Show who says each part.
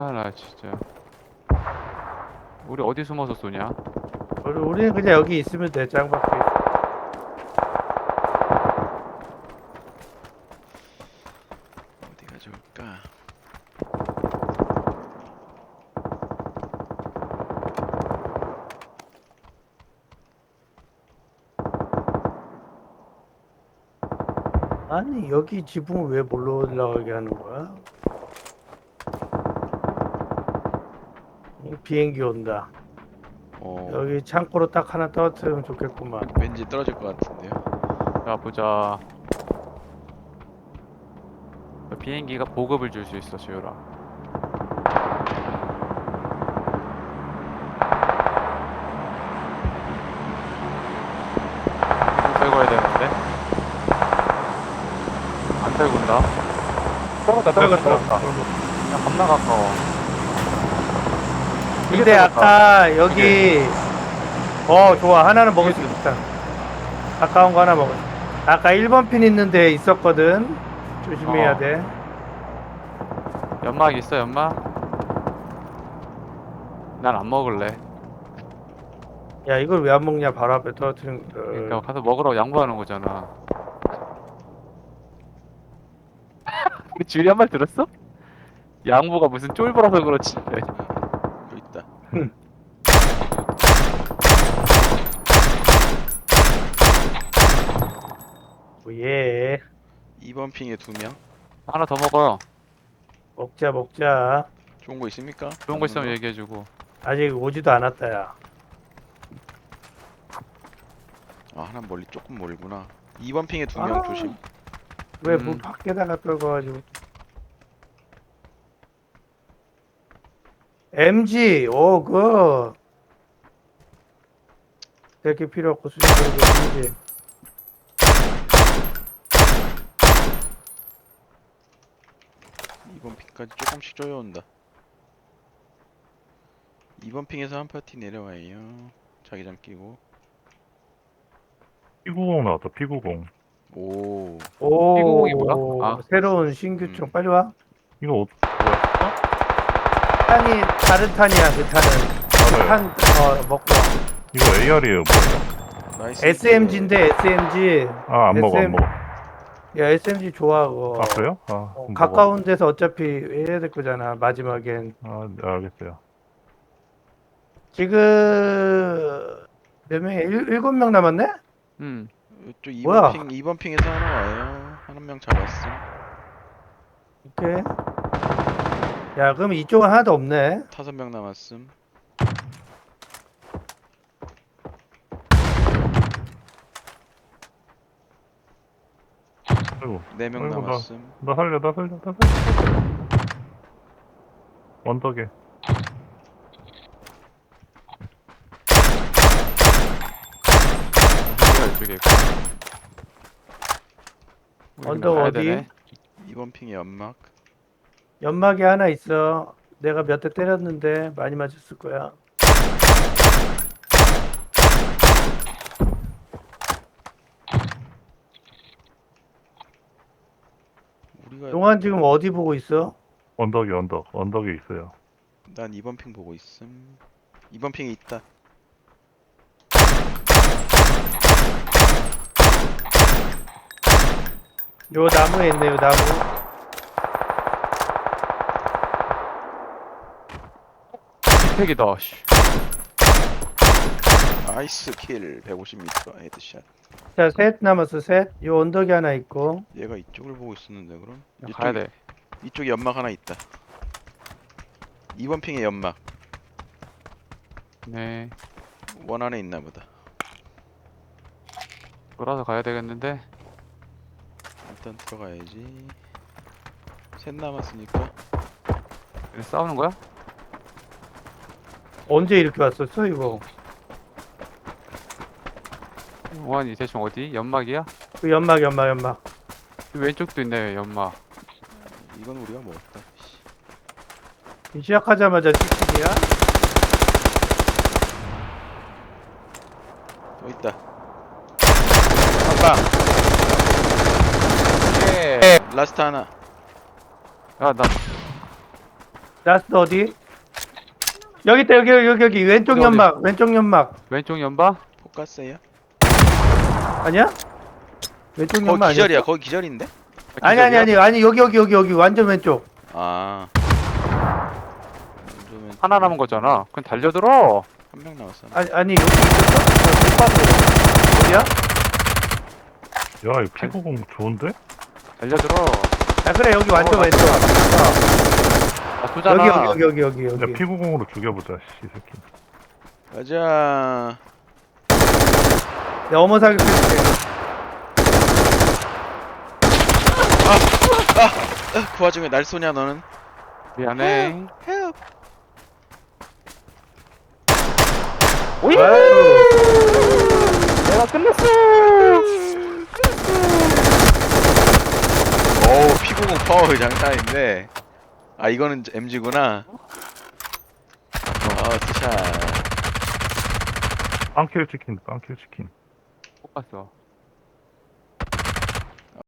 Speaker 1: 나 진짜. 우리 어디 숨어서 쏘냐?
Speaker 2: 우리는 그냥 여기 있으면 돼. 짱박혀 있어.
Speaker 3: 어디가 좋을까?
Speaker 2: 아니 여기 지붕을 왜 몰러 올라가게 하는 거야? 비행기 온다. 여기 창고로 딱 하나 떨어뜨리면 좋겠구만.
Speaker 3: 왠지 떨어질 것 같은데요.
Speaker 1: 자, 보자. 비행기가 보급을 줄 수 있어, 지우라. 들고 가야 되는데? 안 들고 온다. 떨궜다. 야, 겁나 가까워.
Speaker 2: 근데 아까 여기 좋아. 하나는 먹을 수 있다. 가까운 거 하나 먹을 수. 아까 1번 핀 있는데 있었거든. 조심해야 돼.
Speaker 1: 연막 있어, 연막? 난 안 먹을래.
Speaker 2: 야 이걸 왜 안 먹냐? 바로 앞에 떨어뜨린 거.
Speaker 1: 그러니까 가서 먹으라고 양보하는 거잖아. 그 줄이 한 말 들었어? 양보가 무슨 쫄보라서 그렇지.
Speaker 3: 여기 있다.
Speaker 2: 예.
Speaker 3: 2번 핑에 2명.
Speaker 1: 하나 더 먹어.
Speaker 2: 먹자.
Speaker 3: 좋은 거 있습니까?
Speaker 1: 좋은 거 있으면 얘기해주고.
Speaker 2: 아직 오지도 않았다 야.
Speaker 3: 아, 하나 멀리 조금 멀구나. 2번 핑에 2명 조심.
Speaker 2: 왜 뭐 밖에다가 떨궈가지고. MG 그 이렇게 필요 없고 수직적으로 MG.
Speaker 3: 이번 핑까지 조금씩 쪼여온다. 2번 핑에서 한 파티 내려와요. 자기장 끼고.
Speaker 4: P90 나왔다, P90.
Speaker 3: 오,
Speaker 1: P90이 뭐야? 아.
Speaker 2: 새로운 신규총 빨리 와.
Speaker 4: 이거 뭐야?
Speaker 2: 탄이 다른 탄이야 그 탄은.
Speaker 4: 알아요.
Speaker 2: 탄 먹고 와.
Speaker 4: 이거 AR이에요, 뭐예요?
Speaker 3: 나이스.
Speaker 2: SMG인데 SMG.
Speaker 4: 아, 안 먹어, 안 먹어.
Speaker 2: 야 SMG 좋아 그거.
Speaker 4: 아, 그래요? 아, 그럼
Speaker 2: 가까운 데서 어차피 해야 될 거잖아 마지막엔.
Speaker 4: 먹어. 아, 네, 알겠어요.
Speaker 2: 지금 몇 명이 7명 남았네?
Speaker 3: 이쪽
Speaker 2: 뭐야?
Speaker 3: 2번 핑에서 하나 와요. 한 명 잡았어.
Speaker 2: 오케이. 야 그럼 이쪽은 하나도 없네.
Speaker 3: 5명 남았음.
Speaker 4: 아이고,
Speaker 3: 4명
Speaker 4: 아이고,
Speaker 3: 남았음.
Speaker 4: 나 살려. 언덕에.
Speaker 1: 이쪽에 있고. 우리
Speaker 2: 언덕
Speaker 1: 그냥 가야
Speaker 2: 어디?
Speaker 1: 되네.
Speaker 3: 2번 핑에 연막.
Speaker 2: 연막이 하나 있어. 내가 몇 대 때렸는데 많이 맞았을 거야.
Speaker 3: 우리가
Speaker 2: 용환 지금 어디 보고 있어?
Speaker 4: 언덕에 있어요.
Speaker 3: 난 2번 핑 보고 있음. 2번 핑에 있다.
Speaker 2: 요 나무에 있네 요 나무.
Speaker 1: 힙팩이다. 씨.
Speaker 3: 나이스 킬. 150m 헤드샷.
Speaker 2: 자 셋 남았어 셋. 요 언덕에 하나 있고.
Speaker 3: 얘가 이쪽을 보고 있었는데 그럼?
Speaker 1: 가야 돼.
Speaker 3: 이쪽에 연막 하나 있다. 2번 핑에 연막.
Speaker 1: 네.
Speaker 3: 원 안에 있나 보다.
Speaker 1: 돌아서 가야 되겠는데.
Speaker 3: 일단 들어가야지. 셋 남았으니까.
Speaker 1: 여기 싸우는 거야?
Speaker 2: 언제 이렇게 왔었어 이거?
Speaker 1: 원이 대충 어디? 연막이야?
Speaker 2: 그 연막.
Speaker 1: 왼쪽도 있네, 연막.
Speaker 3: 이건 우리가 먹었다. 씨.
Speaker 2: 시작하자마자 찍찍이야?
Speaker 3: 또 있다.
Speaker 2: 아빠.
Speaker 1: 예.
Speaker 3: 라스트 하나.
Speaker 1: 야, 나
Speaker 2: 라스트 어디? 여기 있다 여기 왼쪽
Speaker 1: 어디?
Speaker 2: 연막 왼쪽 연막
Speaker 1: 왼쪽 연바?
Speaker 3: 포커스예요?
Speaker 2: 아니야? 왼쪽
Speaker 3: 거기
Speaker 2: 연막
Speaker 3: 기절이야.
Speaker 2: 아니야?
Speaker 3: 거기 기절인데?
Speaker 2: 아니 여기 완전 왼쪽.
Speaker 3: 아.
Speaker 1: 하나 남은 거잖아. 그럼 달려들어.
Speaker 3: 한명 남았어.
Speaker 2: 아니 여기 있었어? 못 봤어. 어디야?
Speaker 4: 야, 이 P90 좋은데?
Speaker 1: 달려들어.
Speaker 2: 아 그래 여기 완전 왼쪽.
Speaker 1: 아, 쏘잖아.
Speaker 2: 여기
Speaker 4: 야, P90으로 죽여보자, 씨, 이 새끼.
Speaker 3: 가자.
Speaker 2: 내 어머 사격했지.
Speaker 3: 그 와중에 날 쏘냐 너는?
Speaker 1: 미안해.
Speaker 3: 헬.
Speaker 1: 오이!
Speaker 2: 아유.
Speaker 1: 내가 끝냈어!
Speaker 3: 어우 P90 파워 장난인데. 아 이거는 MG구나. 스샷.
Speaker 4: 빵킬 치킨, 빵킬 치킨.
Speaker 1: 못 봤어.